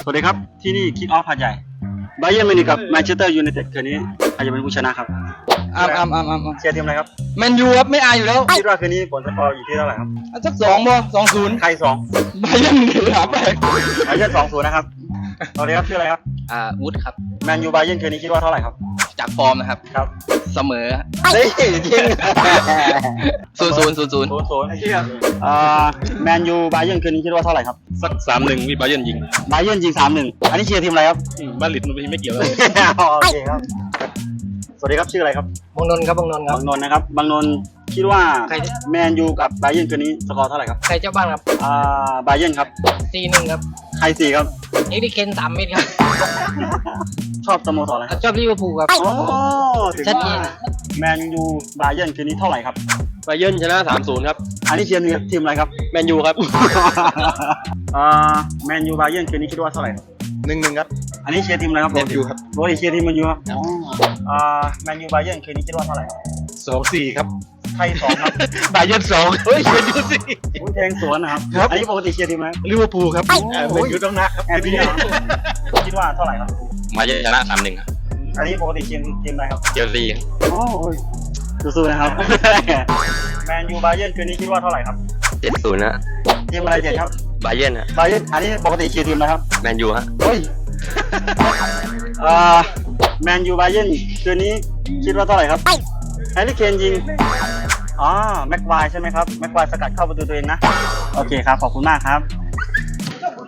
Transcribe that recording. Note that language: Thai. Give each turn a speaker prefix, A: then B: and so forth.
A: สวัสดีครับที่นี่คิกออฟหาดใหญ่ไบเยิร์นมิวนิกกับแมนเชสเตอร์ยูไนเต็ดคืนนี้ใครจะเป็นผู้ชนะครับเชียร์ทีมอะไรครับ
B: แมนยูครับไม่อายอยู่แล้ว
A: คิดว่าคืนนี้ผลสกอร์อยู่ที่เท่าไหร่ครับ
B: สัก2-0
A: ใครสอง
B: ไบเยิร์นเดือดไป
A: ไบเยิร์น2-0นะครับสวัสดีครับชื่ออะไรครับ
B: วุฒิครับ
A: แมนยูไบเยิร์นคืนนี้คิดว่าเท่าไหร่ครับ
B: จากฟอร์มนะครับ
A: ครับ
B: เสมอ
A: เฮ้ยจริง
B: 0-0
A: แมนยูไบเยิร์นคืนนี้คิดว่าเท่าไหร่ครับ
C: สัก3-1วิบาเยิร์นยิง
A: ไบเยิร์นยิง3-1อันนี้เชียร์ทีมอะไรครับ
C: บ้านลิดมันไม่เกี่ยวเลย
A: โอเคครับสวัสดีครับชื่ออะไรครับ
B: บางนนท์ครับบางนนท์ครับ
A: บางนนท์นะครับบางนนท์คิดว่า
B: ใคร
A: แมนยูกับไบเยิร์นคืนนี้สกอร์เท่าไหร่ครับ
B: ใครเจ้าบ้านครับ
A: ไบเยิร์นครับ
B: 4-1 ครับ
A: ใคร4ครับ
B: เอ็กดิเคน3 เม็ดครับ
A: ชอบสโมสรอะไรครับ
B: ชอบลิเวอร์พูลครับ
A: โอ้ถึง
B: ชัดเจ
A: ว่าน แมนยูไบเยิร์นคืนนี้เท่าไหร่ครับ
C: บาเยิร์นชนะ 3-0 ครับ
A: อันนี้เชียร์ทีมอะไรครับ
C: แมนยูครับ
A: แมนยูไบเยิร์นคืนนี้คิดว่าเท่าไหร่ครับ
C: 1-1 ครับ
A: อันนี้เชียร์ทีมอะไรครับ
C: แมนยูครับ
A: โรยเชียร์ทีมแมนยูครับแมนยูไบเยิร์นคืนนี้คิดว่าเท่าไหร่ครับ
C: 2-4 ครับ
A: ใคร2ครับ
C: บาเยิร์น2เฮ้ยแมนยูสิ
A: อุ้ยแทงสวนนะครับ
C: ครับ
A: อันนี้ปกติเชียร์ทีมอะไร
C: ลิเวอร์พูลครับแมนยูต้องนะครับ
A: แอนพี่คิดว่าเท่าไหร่ครับ
C: มาเยิร์นชนะ 3-1 ครับ
A: อันนี้ปกติเชียร์ทีมอะไรครับ
C: เจลซี
A: โอ้ยสู้ๆนะครับ แมนยูไบเยิร์นคืนนี้คิดว่าเท่าไหร่ครับ
C: 7-0 นะ
A: ทีมอะไรเจ็ดครับ
C: บาเยิร์นฮะ
A: ไบเยิร์นอันนี้ปกติเชียร์ทีมอะไรครับ
C: แมนยูฮะ
A: เฮ้ยแมนยูไบเยิร์นคืนนี้คิดว่าเท่าไหร่ครับแฮร์รี่เคนยิงแม็กควายใช่ไหมครับแม็กควายสกัดเข้าประตูตัวเองนะโอเคครับขอบคุณมากครับ